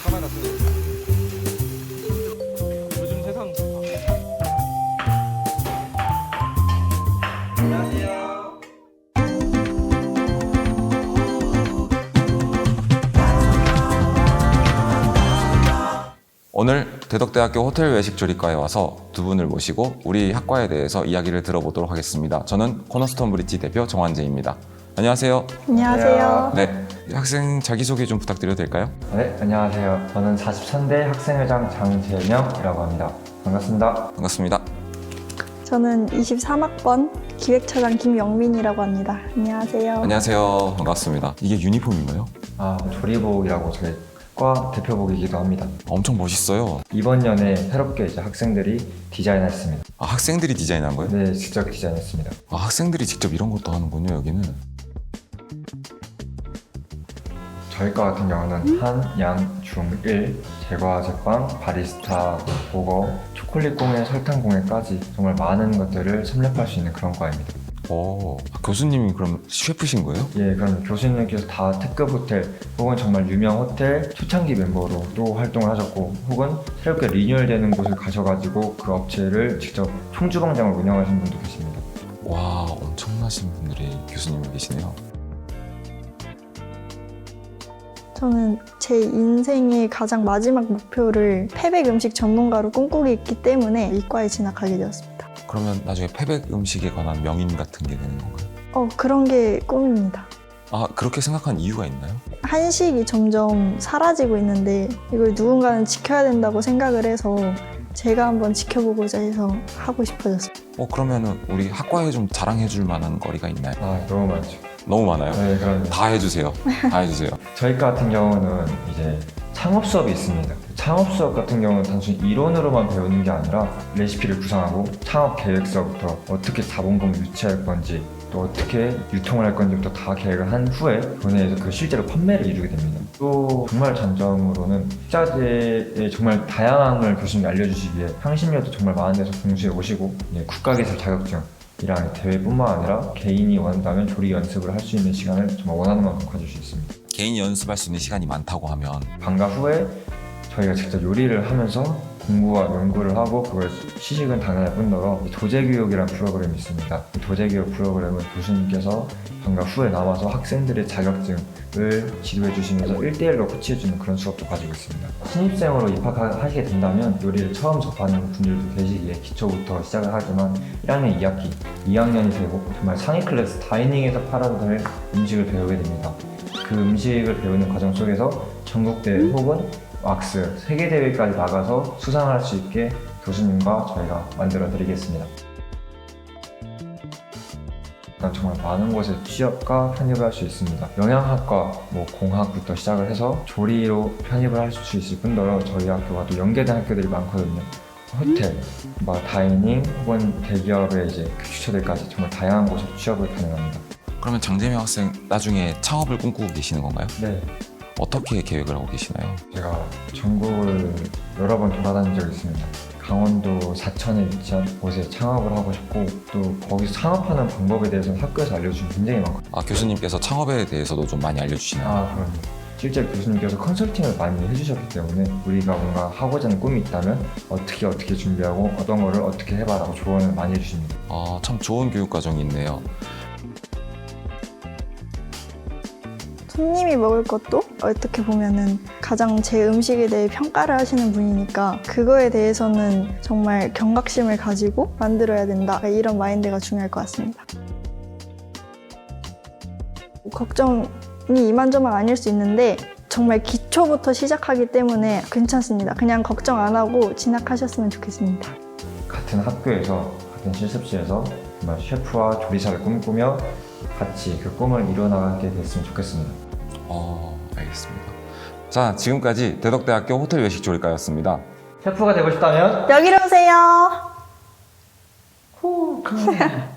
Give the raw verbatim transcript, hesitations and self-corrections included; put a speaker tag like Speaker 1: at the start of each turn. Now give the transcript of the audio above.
Speaker 1: 카메라 쓰는 요즘 세상. 안녕하세요.
Speaker 2: 오늘 대덕대학교 호텔 외식조리과에 와서 두 분을 모시고 우리 학과에 대해서 이야기를 들어보도록 하겠습니다. 저는 코너스톤 브릿지 대표 정환재입니다. 안녕하세요.
Speaker 3: 안녕하세요.
Speaker 2: 네, 학생 자기소개 좀 부탁드려도 될까요?
Speaker 4: 네, 안녕하세요. 저는 사십삼 대 학생회장 장재명이라고 합니다. 반갑습니다.
Speaker 2: 반갑습니다.
Speaker 3: 저는 이십삼 학번 기획처장 김영민이라고 합니다. 안녕하세요.
Speaker 2: 안녕하세요. 반갑습니다. 이게 유니폼인가요?
Speaker 4: 아, 조리복이라고 저희 과 대표복이기도 합니다.
Speaker 2: 엄청 멋있어요.
Speaker 4: 이번 년에 새롭게 이제 학생들이 디자인했습니다.
Speaker 2: 아, 학생들이 디자인한 거예요?
Speaker 4: 네, 직접 디자인했습니다.
Speaker 2: 아, 학생들이 직접 이런 것도 하는군요, 여기는.
Speaker 4: 저희 과 같은 경우는 한, 양, 중, 일, 제과, 제빵, 바리스타, 보거, 초콜릿 공예, 설탕 공예까지 정말 많은 것들을 섭렵할 수 있는 그런 과입니다.
Speaker 2: 오, 아, 교수님이 그럼 셰프신 거예요?
Speaker 4: 예, 그럼 교수님께서 다 특급 호텔 혹은 정말 유명 호텔 초창기 멤버로 또 활동을 하셨고, 혹은 새롭게 리뉴얼되는 곳을 가셔가지고 그 업체를 직접 총주방장을 운영하신 분도 계십니다.
Speaker 2: 와, 엄청나신 분들이 교수님이 계시네요.
Speaker 3: 저는 제 인생의 가장 마지막 목표를 패백 음식 전문가로 꿈꾸고 있기 때문에 이과에 진학하게 되었습니다.
Speaker 2: 그러면 나중에 패백 음식에 관한 명인 같은 게 되는 건가요?
Speaker 3: 어, 그런 게 꿈입니다.
Speaker 2: 아, 그렇게 생각한 이유가 있나요?
Speaker 3: 한식이 점점 사라지고 있는데 이걸 누군가는 지켜야 된다고 생각을 해서 제가 한번 지켜보고자 해서 하고 싶어졌어요.
Speaker 2: 어, 그러면은 우리 학과에 좀 자랑해 줄 만한 거리가 있나요?
Speaker 4: 아, 너무 많죠.
Speaker 2: 너무 많아요?
Speaker 4: 네, 그럼요.
Speaker 2: 다 해주세요. 다 해주세요.
Speaker 4: 저희 과 같은 경우는 이제 창업 수업이 있습니다. 창업 수업 같은 경우는 단순히 이론으로만 배우는 게 아니라 레시피를 구상하고 창업 계획서부터 어떻게 자본금을 유치할 건지, 또 어떻게 유통을 할 건지부터 다 계획을 한 후에 교내에서 그 실제로 판매를 이루게 됩니다. 또 정말 장점으로는 식자재의 정말 다양함을 교수님이 알려주시기에 향신료도 정말 많은 데서 공수해 오시고, 국가기술 자격증 이랑 대회뿐만 아니라 개인이 원한다면 조리 연습을 할 수 있는 시간을 정말 원하는 만큼 가질 수 있습니다.
Speaker 2: 개인 연습할 수 있는 시간이 많다고 하면
Speaker 4: 방과 후에 저희가 직접 요리를 하면서 공부와 연구를 하고 그걸 시식은 당연할 뿐더러 도제교육이라는 프로그램이 있습니다. 이 도제교육 프로그램은 교수님께서 방과 후에 남아서 학생들의 자격증을 지도해 주시면서 일 대일로 코치해 주는 그런 수업도 가지고 있습니다. 신입생으로 입학하시게 된다면 요리를 처음 접하는 분들도 계시기에 기초부터 시작을 하지만 일 학년 이 학기, 이 학년이 되고 정말 상위 클래스 다이닝에서 팔아도 될 음식을 배우게 됩니다. 그 음식을 배우는 과정 속에서 전국대회 혹은 왁스, 세계대회까지 나가서 수상할 수 있게 교수님과 저희가 만들어 드리겠습니다. 정말 많은 곳에 취업과 편입을 할 수 있습니다. 영양학과, 뭐 공학부터 시작을 해서 조리로 편입을 할 수 있을 뿐더러 저희 학교와 또 연계된 학교들이 많거든요. 호텔, 뭐 다이닝 혹은 대기업의 이제 교수처들까지 정말 다양한 곳에 취업을 가능합니다.
Speaker 2: 그러면 장재명 학생 나중에 창업을 꿈꾸고 계시는 건가요?
Speaker 4: 네.
Speaker 2: 어떻게 계획을 하고 계시나요?
Speaker 4: 제가 전국을 여러 번 돌아다닌 적이 있습니다. 강원도 사천에 위치한 곳에 창업을 하고 싶고, 또 거기서 창업하는 방법에 대해서는 학교에서 알려주신 굉장히 많거든요.
Speaker 2: 아, 교수님께서 창업에 대해서도 좀 많이 알려주시나요?
Speaker 4: 아, 그럼요. 실제 교수님께서 컨설팅을 많이 해주셨기 때문에 우리가 뭔가 하고자 하는 꿈이 있다면 어떻게 어떻게 준비하고 어떤 거를 어떻게 해봐라고 조언을 많이 해주십니다.
Speaker 2: 아, 참 좋은 교육 과정이 있네요.
Speaker 3: 손님이 먹을 것도 어떻게 보면은 가장 제 음식에 대해 평가를 하시는 분이니까 그거에 대해서는 정말 경각심을 가지고 만들어야 된다, 이런 마인드가 중요할 것 같습니다. 걱정이 이만저만 아닐 수 있는데 정말 기초부터 시작하기 때문에 괜찮습니다. 그냥 걱정 안 하고 진학하셨으면 좋겠습니다.
Speaker 4: 같은 학교에서, 같은 실습실에서 정말 셰프와 조리사를 꿈꾸며 같이 그 꿈을 이뤄나가게 됐으면 좋겠습니다.
Speaker 2: 어, 알겠습니다. 자, 지금까지 대덕대학교 호텔 외식조리과였습니다.
Speaker 4: 셰프가 되고 싶다면
Speaker 3: 여기로 오세요.
Speaker 4: 후, 그